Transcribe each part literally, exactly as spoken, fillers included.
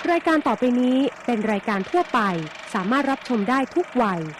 รายการต่อไปนี้เป็นรายการทั่วไปสามารถรับชมได้ทุกวัย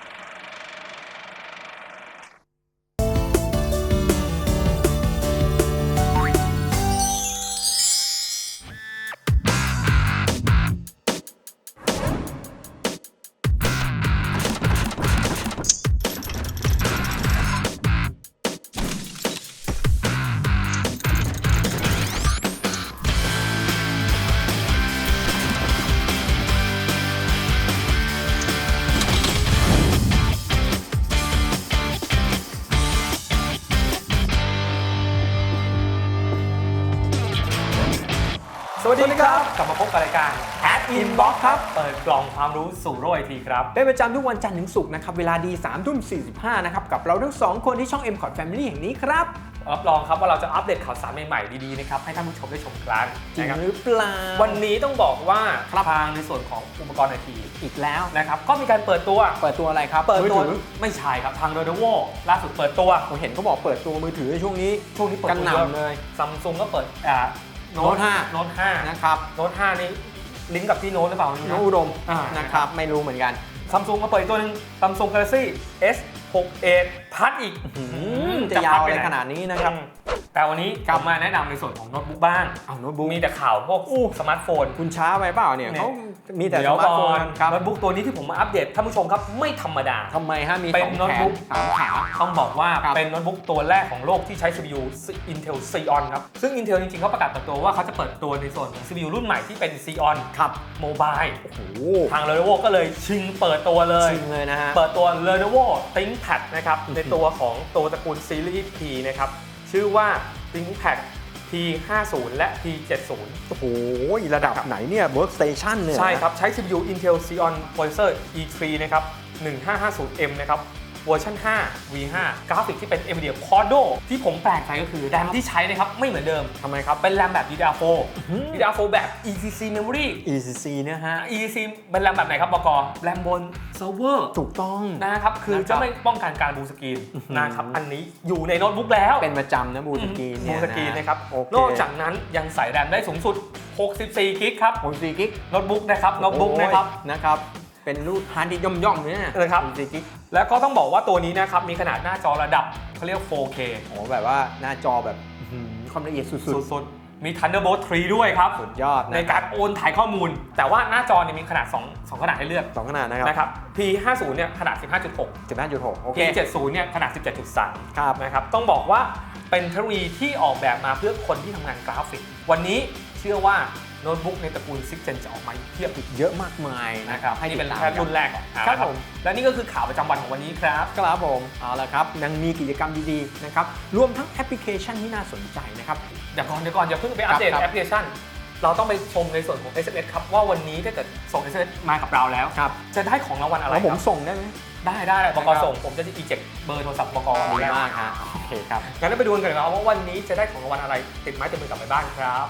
สวัสดีครับกลับมาพบกับรายการ Ad Inbox ครับเปิดกล่องความรู้สู่โลกไอทีครับเป็นประจำทุกวันจันทร์ถึงศุกร์นะครับเวลาดีสามทุ่มสี่สิบห้านะครับกับเราทั้งสองคนที่ช่อง เอ็ม คอร์ด Family แห่งนี้ครับรับรองครับว่าเราจะอัปเดตข่าวสารใหม่ๆดีๆนะครับให้ท่านผู้ชมได้ชมกันจริงหรือเปล่าวันนี้ต้องบอกว่าทางในส่วนของอุปกรณ์ไอทีอีกแล้วนะครับก็มีการเปิดตัวเปิดตัวอะไรครับเปิดตัวไม่ใช่ครับทาง Lenovo ล่าสุดเปิดตัวผมเห็นเขาบอกเปิดตัวมือถือในช่วงนี้ช่วงนี้เปิดกันหนำเลย Samsung ก็เปิดอ่าโน้ตห้าโน้ตห้านะครับโน้ตห้านี่ลิงก์กับที่โน้ตหรือเปล่าโน้ตอุดมนะครับไม่รู้เหมือนกัน Samsung มาเปิดตัวนึง Samsung Galaxy เอส หก เอ พัดอีกจะยาวอะไรขนาดนี้นะครับแต่วันนี้ผมมาแนะนำในส่วนของโน้ตบุ๊กบ้างเอาโน้ตบุ๊กมีแต่ข่าวพวกสมาร์ทโฟนคุณช้าไปเปล่าเนี่ยเขามีแต่สมาร์ทโฟนครับโน้ตบุ๊กตัวนี้ที่ผมมาอัปเดตท่านผู้ชมครับไม่ธรรมดาทำไมฮะมีเป็นโน้ตบุ๊กสามขาต้องบอกว่าเป็นโน้ตบุ๊กตัวแรกของโลกที่ใช้ ซี พี ยู Intel Xeon ครับซึ่ง Intel จริงๆเขาประกาศเปิดตัวว่าเขาจะเปิดตัวในส่วนของ ซี พี ยู รุ่นใหม่ที่เป็น Xeon ครับโมบายโอ้โหทาง Lenovo ก็เลยชิงเปิดตัวเลยชิงเลยนะฮะเปิดตัว Lenovo ThinkPad นะครับในตัวของตัวตระกูลซีรีส์ P นะครับชื่อว่า ThinkPad พี ห้าสิบ และ พี เจ็ดสิบโอ้โหระดับไหนเนี่ย Workstation เนี่ยใช่ครับใช้ ซี พี ยู Intel Xeon Processor อี ทรี นะครับ หนึ่งห้าห้าศูนย์เอ็ม นะครับเวอร์ชันห้า วี ห้า กราฟิกที่เป็น NVIDIA Quadro ที่ผมแปลกใจก็คือแรมที่ใช้นะครับไม่เหมือนเดิมทำไมครับเป็นแรมแบบ ดี ดี อาร์ โฟร์ ดี ดี อาร์ โฟร์ แบบ อี ซี ซี Memory อี ซี ซี เนี่ยฮะอี ซี ซี เป็นแรมแบบไหนครับบก.แรมบนเซิร์ฟเวอร์ถูกต้องนะครับคือจะไม่ป้องกันการบูสกรีนนะครับอันนี้อยู่ในโน้ตบุ๊กแล้วเป็นประจำนะบูสกรีนเนี่ยบูสกรีนนะครับนอกจากนั้นยังใส่แรมได้สูงสุดหกสิบสี่กิกครับหกสิบสี่กิกโน้ตบุ๊กนะครับโน้ตบุ๊กนะครับนะครับเป็นรูปฮาร์ดดิสก์ย่อมๆเนี่ยนะครับแล้วก็ต้องบอกว่าตัวนี้นะครับมีขนาดหน้าจอระดับเขาเรียก โฟร์เคโอ้แบบว่าหน้าจอแบบความละเอียดสุดๆมี Thunderbolt ทรีด้วยครับสุดยอดในการโอนถ่ายข้อมูลแต่ว่าหน้าจอเนี่ยมีขนาดสอง สองขนาดให้เลือกสองขนาดนะครับนะครับ พี ห้าสิบ เนี่ยขนาด สิบห้าจุดหกสิบห้าจุดหก โอเคพี เจ็ดสิบ เนี่ยขนาด สิบเจ็ดจุดสามครับนะครับต้องบอกว่าเป็นเทคโนโลยีที่ออกแบบมาเพื่อคนที่ทำงานกราฟิกวันนี้เชื่อว่าโน้ตบุ๊กในตระกูล ซิกซ์ เจน จะออกมาเทียบอีกเยอะมากมายนะครับให้นี่เป็นแค่รุ่นแรกก่อนครับผมและนี่ก็คือข่าวประจำวันของวันนี้ครับครับผมเอาละครับยังมีกิจกรรมดีๆนะครับรวมทั้งแอปพลิเคชันที่น่าสนใจนะครับเดี๋ยวก่อนเดี๋ยวก่อนอย่าเพิ่งไปอัปเดตแอปพลิเคชันเราต้องไปชมในส่วนของ เอส เอ็ม เอส ครับว่าวันนี้ถ้าเกิดส่ง เอส เอ็ม เอส มากับเราแล้วจะได้ของรางวัลอะไรผมส่งได้ไหมได้ได้บก.ส่งผมจะอีเจ็คเบอร์โทรศัพท์บก. ดีมากฮะโอเคครับงั้นเราไปดูกันกันว่าวันนี้จะได้ของรางวัลอะไรติดไม้ติดมือกลับไปบ้านครับ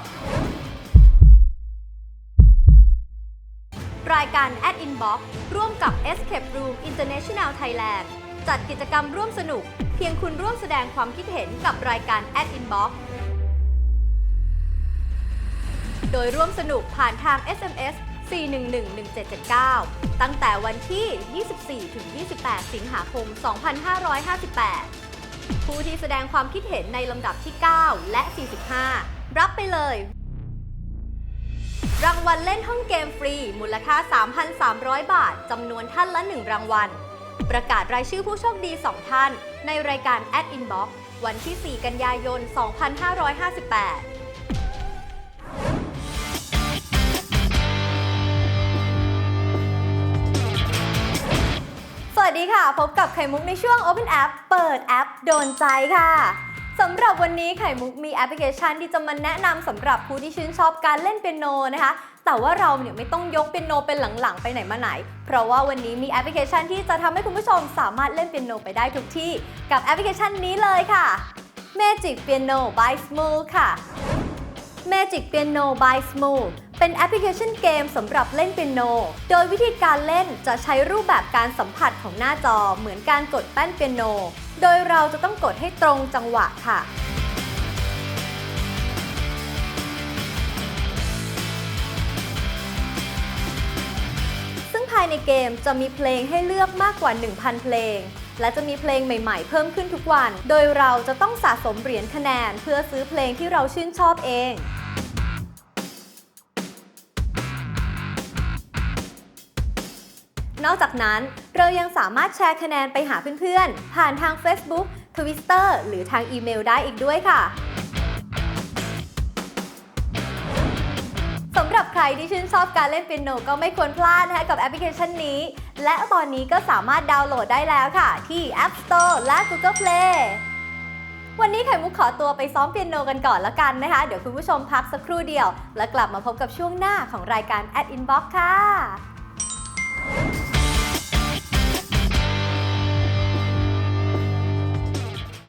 รายการ Ad Inbox ร่วมกับ Escape Room International Thailand จัดกิจกรรมร่วมสนุกเพียงคุณร่วมแสดงความคิดเห็นกับรายการ Ad Inbox โดยร่วมสนุกผ่านทาง เอส เอ็ม เอส สี่ หนึ่ง หนึ่ง หนึ่ง เจ็ด เจ็ด เก้า ตั้งแต่วันที่ ยี่สิบสี่ ถึง ยี่สิบแปด สิงหาคม สองพันห้าร้อยห้าสิบแปด ผู้ที่แสดงความคิดเห็นในลำดับที่ เก้า และ สี่สิบห้า รับไปเลยรางวัลเล่นห้องเกมฟรีมูลค่า สามพันสามร้อย บาทจำนวนท่านละหนึ่งรางวัลประกาศรายชื่อผู้โชคดีสองท่านในรายการ Ad Inbox วันที่ สี่ กันยายน สองพันห้าร้อยห้าสิบแปด สวัสดีค่ะพบกับไข่มุกในช่วง Open App เปิดแอปโดนใจค่ะสำหรับวันนี้ไข่มุกมีแอปพลิเคชันที่จะมาแนะนำสำหรับผู้ที่ชื่นชอบการเล่นเปียโนนะคะแต่ว่าเราเนี่ยไม่ต้องยกเปียโนเป็นหลังๆไปไหนมาไหนเพราะว่าวันนี้มีแอปพลิเคชันที่จะทำให้คุณผู้ชมสามารถเล่นเปียโนไปได้ทุกที่กับแอปพลิเคชันนี้เลยค่ะ Magic Piano by Smooth ค่ะ Magic Piano by Smooth เป็นแอปพลิเคชันเกมสำหรับเล่นเปียโนโดยวิธีการเล่นจะใช้รูปแบบการสัมผัสของหน้าจอเหมือนการกดแป้นเปียโนโดยเราจะต้องกดให้ตรงจังหวะค่ะายในเกมจะมีเพลงให้เลือกมากกว่า หนึ่งพัน เพลงและจะมีเพลงใหม่ๆเพิ่มขึ้นทุกวัน โดยเราจะต้องสะสมเหรียญคะแนนเพื่อซื้อเพลงที่เราชื่นชอบเองนอกจากนั้นเรายังสามารถแชร์คะแนนไปหาเพื่อนๆผ่านทาง Facebook Twitter หรือทางอีเมลได้อีกด้วยค่ะสำหรับใครที่ชื่นชอบการเล่นเปียโนก็ไม่ควรพลาดนะคะกับแอปพลิเคชันนี้และตอนนี้ก็สามารถดาวน์โหลดได้แล้วค่ะที่ App Store และ Google Play วันนี้ไข่มุกขอตัวไปซ้อมเปียโนกันก่อนแล้วกันนะคะเดี๋ยวคุณผู้ชมพักสักครู่เดียวแล้วกลับมาพบกับช่วงหน้าของรายการ At Inbox ค่ะ